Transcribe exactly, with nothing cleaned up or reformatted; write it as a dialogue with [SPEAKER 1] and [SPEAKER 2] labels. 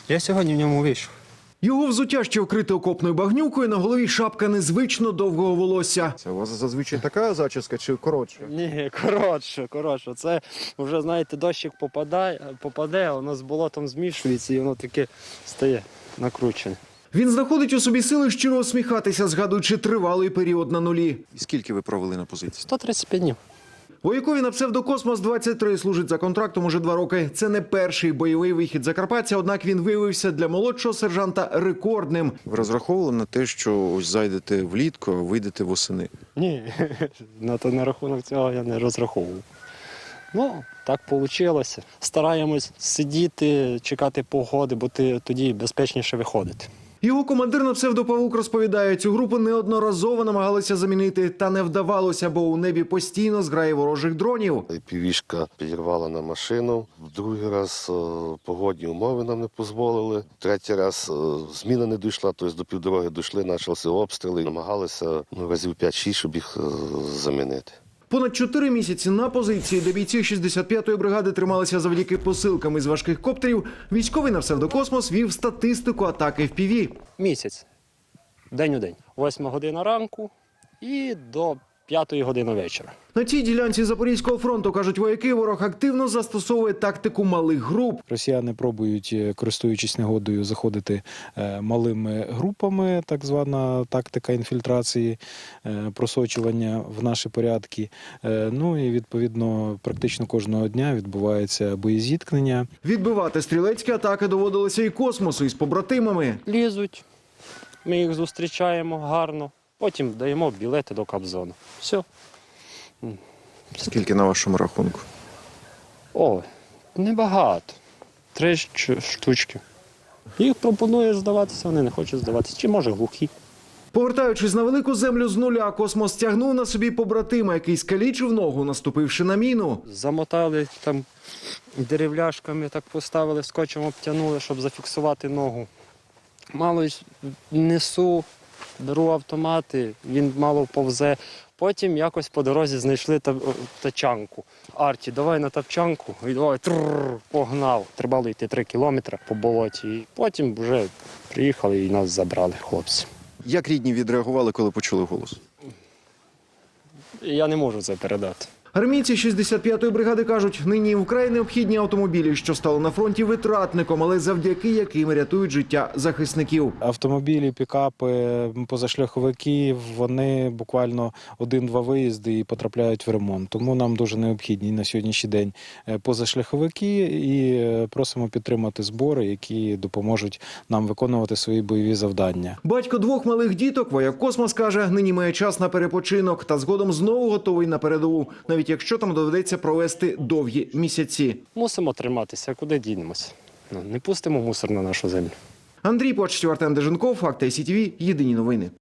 [SPEAKER 1] Я сьогодні в ньому вийшов.
[SPEAKER 2] Його взуття ще вкрите окопною багнюкою, на голові шапка незвично довгого волосся.
[SPEAKER 3] Це у вас зазвичай така зачіска чи коротша?
[SPEAKER 1] Ні, коротше, коротше. Це вже, знаєте, дощик попадає, попаде, воно з болотом змішується і воно таке стає накручене.
[SPEAKER 2] Він знаходить у собі сили щиро усміхатися, згадуючи тривалий період на нулі.
[SPEAKER 3] І скільки ви провели на позиції?
[SPEAKER 1] сто тридцять п'ять днів.
[SPEAKER 2] Воякові на псевдокосмос двадцять три служить за контрактом уже два роки. Це не перший бойовий вихід закарпатця, однак він виявився для молодшого сержанта рекордним.
[SPEAKER 3] Ви розраховували на те, що ось зайдете влітку, а вийдете восени?
[SPEAKER 1] Ні, на, то, на рахунок цього я не розраховував. Ну, так вийшло. Стараємось сидіти, чекати погоди, бо ти тоді безпечніше виходити.
[SPEAKER 2] Його командир на псевдопавук розповідає, цю групу неодноразово намагалися замінити, та не вдавалося, бо у небі постійно зграє ворожих дронів.
[SPEAKER 4] Півішка підірвала на машину, в другий раз е, погодні умови нам не дозволили, третій раз е, зміна не дійшла, тобто до півдороги дійшли, почалися обстріли, намагалися ну, разів п'ять-шість, щоб їх е, замінити.
[SPEAKER 2] Понад чотири місяці на позиції, де бійці шістдесят п'ятої бригади трималися завдяки посилкам із важких коптерів, військовий на псевдокосмос вів статистику атаки еф пі ві.
[SPEAKER 1] Місяць, день у день. Восьма година ранку і до п'ятої години вечора.
[SPEAKER 2] На цій ділянці Запорізького фронту, кажуть вояки, ворог активно застосовує тактику малих груп.
[SPEAKER 5] Росіяни пробують, користуючись негодою, заходити малими групами, так звана тактика інфільтрації, просочування в наші порядки. Ну і, відповідно, практично кожного дня відбувається боєзіткнення.
[SPEAKER 2] Відбивати стрілецькі атаки доводилося і космосу, із побратимами.
[SPEAKER 1] Лізуть, ми їх зустрічаємо гарно, потім даємо білети до Кобзону. Все.
[SPEAKER 3] Скільки на вашому рахунку?
[SPEAKER 1] О, небагато. Три штучки. Їх пропонуєш здаватися, вони не хочуть здаватися. Чи може глухі.
[SPEAKER 2] Повертаючись на велику землю з нуля, космос тягнув на собі побратима, який скалічив ногу, наступивши на міну.
[SPEAKER 1] Замотали там деревляшками, так поставили, скотчем обтянули, щоб зафіксувати ногу. Мало несу, беру автомати, він мало повзе. Потім якось по дорозі знайшли тачанку. Арті, давай на тачанку, і давай трррр, погнав. Треба було йти три кілометри по болоті. І потім вже приїхали і нас забрали хлопці.
[SPEAKER 3] Як рідні відреагували, коли почули голос?
[SPEAKER 1] Я не можу це передати.
[SPEAKER 2] Армійці шістдесят п'ятої бригади кажуть, нині вкрай необхідні автомобілі, що стали на фронті витратником, але завдяки яким рятують життя захисників.
[SPEAKER 5] Автомобілі, пікапи, позашляховики, вони буквально один-два виїзди і потрапляють в ремонт. Тому нам дуже необхідні на сьогоднішній день позашляховики і просимо підтримати збори, які допоможуть нам виконувати свої бойові завдання.
[SPEAKER 2] Батько двох малих діток, вояк Космос, каже, нині має час на перепочинок та згодом знову готовий на передову, навіть якщо там доведеться провести довгі місяці.
[SPEAKER 1] Мусимо триматися, куди дінемося. Не пустимо мусор на нашу землю.
[SPEAKER 2] Андрій Почтів, Артем Деженков, Факти ай сі ті ві, єдині новини.